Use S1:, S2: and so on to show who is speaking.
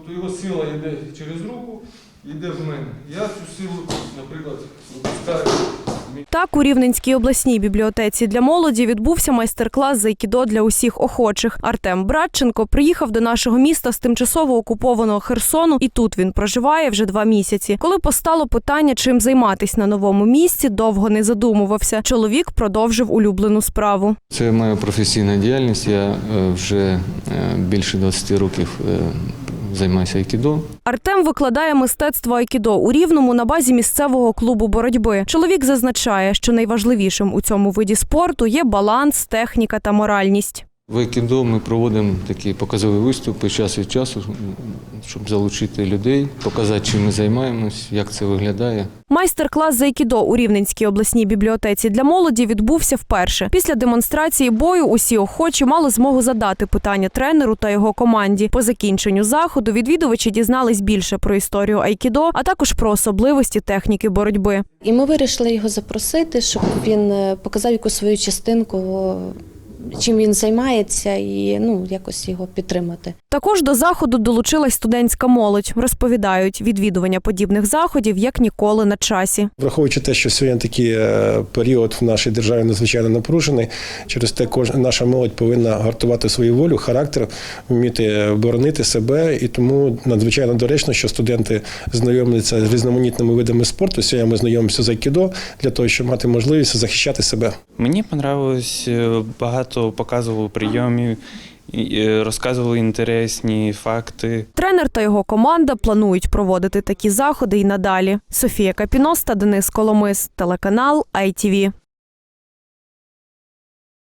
S1: Тобто його сила йде через руку, йде в мене. Я цю силу, наприклад, випускаю.
S2: Так, у Рівненській обласній бібліотеці для молоді відбувся майстер-клас з айкідо для усіх охочих. Артем Братченко приїхав до нашого міста з тимчасово окупованого Херсону, і тут він проживає вже 2 місяці. Коли постало питання, чим займатися на новому місці, довго не задумувався. Чоловік продовжив улюблену справу.
S3: Це моя професійна діяльність. Я вже більше 20 років займаюся айкідо.
S2: Артем викладає мистецтво айкідо у Рівному на базі місцевого клубу боротьби. Чоловік зазначає, що найважливішим у цьому виді спорту є баланс, техніка та моральність.
S3: В айкідо ми проводимо такі показові виступи час від часу, щоб залучити людей, показати, чим ми займаємось, як це виглядає.
S2: Майстер-клас з айкідо у Рівненській обласній бібліотеці для молоді відбувся вперше. Після демонстрації бою усі охочі мали змогу задати питання тренеру та його команді. По закінченню заходу відвідувачі дізнались більше про історію айкідо, а також про особливості техніки боротьби.
S4: І ми вирішили його запросити, щоб він показав якусь свою частинку, чим він займається, і якось його підтримати.
S2: Також до заходу долучилась студентська молодь. Розповідають, відвідування подібних заходів як ніколи на часі.
S5: Враховуючи те, що сьогодні такий період в нашій державі надзвичайно напружений, через те наша молодь повинна гартувати свою волю, характер, вміти боронити себе, і тому надзвичайно доречно, що студенти знайомляться з різноманітними видами спорту. Сьогодні ми знайомимося з айкідо для того, щоб мати можливість захищати себе.
S6: Мені подобалось, багато показували прийомів, розказували інтересні факти.
S2: Тренер та його команда планують проводити такі заходи і надалі. Софія Капіноста, Денис Коломис, телеканал ITV.